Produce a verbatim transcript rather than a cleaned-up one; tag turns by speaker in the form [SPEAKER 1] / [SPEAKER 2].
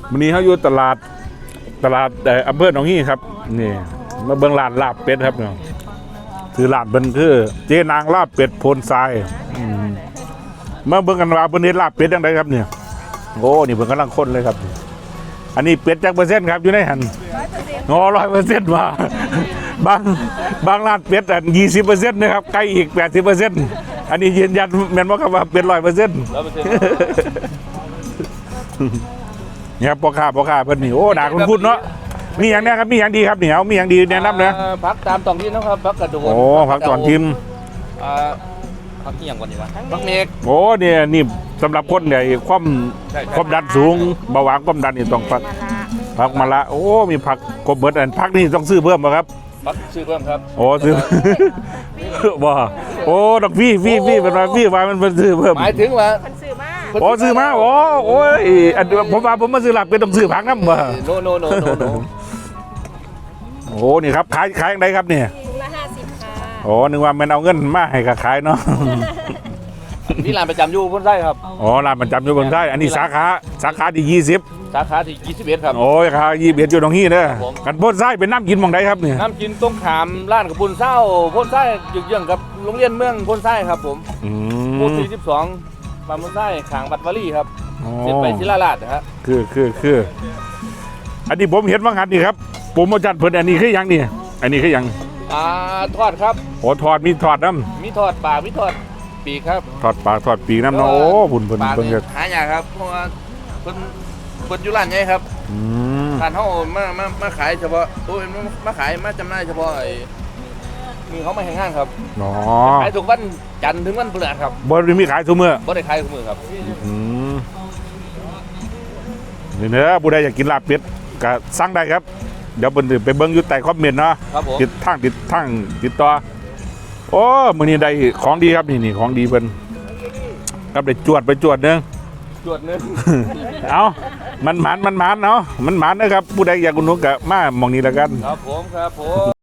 [SPEAKER 1] วันนี้เขาอยู่ตลาดตลาดอำเภอหนองฮี่ครับนี่มาเบิ่งร้านลาบเป็ดครับเนาะคือร้านเบิ่นคือเจ๊นางลาบเป็ดโพนทรายมาเบิ่งกันว่าเพิ่นเฮ็ดลาบเป็ดจังไดครับเนี่ยโอ้นี่เพิ่นกำลังคนเลยครับอันนี้เป็ดจักเปอร์เซ็นต์ครับอยู่ในหันงอร้อยเปอร์เซ็นต์ว่าบางบางร้านเป็ดอันยี่สิบเปอร์เซ็นต์นะครับไก่อีกแปดสิบเปอร์เซ็นต์อันนี้ยืนยันแม่นบ่ครับว่าเป็ดร้อยเปอร์เซ็นต์เนี่ยพ่อค้าพ่อค้าเพิ่นนี่โอ้ด่าคุณพูดเนาะมีอย่างนี้ครับมีอย่างดีครับเหนียวมีอย่างดีแนะนำนะ
[SPEAKER 2] พักตามตองที่นะครับพักกระโดด
[SPEAKER 1] โอ้พักตอนทิม
[SPEAKER 2] พักที่อย่างก่อนดีวะพักเมก
[SPEAKER 1] โอ้เนี่ยนี่สำหรับคนเนี่ยความความดันสูงเบาหวานความดันนี่ต้องพักพักมาละโอ้มีผักกบเบิดอันพักนี่ต้องซื้อเพิ่มป่ะครับ
[SPEAKER 2] พักซื้อเพิ่มครับ
[SPEAKER 1] โอ้ซื้อบ่โอ้ดอกพี่พี่พี่เป็นว่าพี่ว่ามันเป็นซื้อเพิ่ม
[SPEAKER 2] หมายถึงว่า
[SPEAKER 3] ซื้อมา
[SPEAKER 1] โอ้ซื้อมาโอ้โอ้ยอันผมว่าผมมาซื้อหลักเป็นต้องซื้อผักน้ำบ่
[SPEAKER 2] โนโนโนโนโน
[SPEAKER 1] โอ้นี่ครับขายขายยังไงครับเนี่ย
[SPEAKER 3] ละห้าสิบค่ะ
[SPEAKER 1] โอ้นึกว่ามันเอาเงินมาให้กับขายเนาะ
[SPEAKER 2] นี่ร้านประจำอยู่บนไส้ครับ
[SPEAKER 1] อ๋อร้านประจำอยู่บนไส้อันนี้สาขาสาขาที่ยี่สิบ
[SPEAKER 2] สาขาที่ยี่สิบเอ็ดครับ
[SPEAKER 1] โอ้ยครับยี่สิบเอ็ดอยู่ตรงนี้เด้อกันพ่นไส้เป็นน้ำกินมองใดครับเนี่ย
[SPEAKER 2] น้ำกินต้มขามร้านกับปุนเศร้าพ่นไส้ยึกเยื่องกับโรงเรียนเมืองพ่นไส้ครับผมหมู่สี่สิบสองบางพ่นไส้ขางบัตรวารีครับเสร็จไปศิลาลาดนะครับ
[SPEAKER 1] คือคือคืออันนี้ผมเห็นว่างานนี่ครับผมมาจัดเพิ่นอันนี้คือยังนี่อันนี้คือยัง
[SPEAKER 2] อ่าทอดครับ
[SPEAKER 1] โอ้ทอดมีทอดน้
[SPEAKER 2] ำมีทอดปลามีทอดปีกครับ
[SPEAKER 1] ทอดปลาทอดปีกน้ำเนาะโอ้บุญเพิ่นเพิ่น
[SPEAKER 2] หายากครับเพราะว่าเพิ่นเพิ่นอยู่ร้านใหญ่ครับร้านเฮามามามาขายเฉพาะโอ้ยมาขายมาจำหน่ายเฉพาะไอ้มีเขามาแห่งห้างครับ
[SPEAKER 1] อ๋อ
[SPEAKER 2] ขายทุกวันจันทร์ถึงวันพฤหัสครับ
[SPEAKER 1] บ่ได้มีขายทุกมื้อ
[SPEAKER 2] บ่ได้ขายทุกมื้อครับ
[SPEAKER 1] อืมนี่เด้อผู้ใดอยากกินลาบเป็ดก็สั่งได้ครับเดี๋ยวเพิ่นไปเบิ่งอยู่ใต้คอมเมนต์เนาะติดทางติดทางติดต่อโอ้มื้อนี้ได้ของดีครับนี่นี่ของดีเพิ่นครับได้จวดไปจวดนึง
[SPEAKER 2] จวดนึง
[SPEAKER 1] เอามันหมานมันหมานเนาะมันหมานนะครับผู้ใดอยากอุดหนุนก็มามองนี้แล้วกัน
[SPEAKER 2] ครับผมครับผม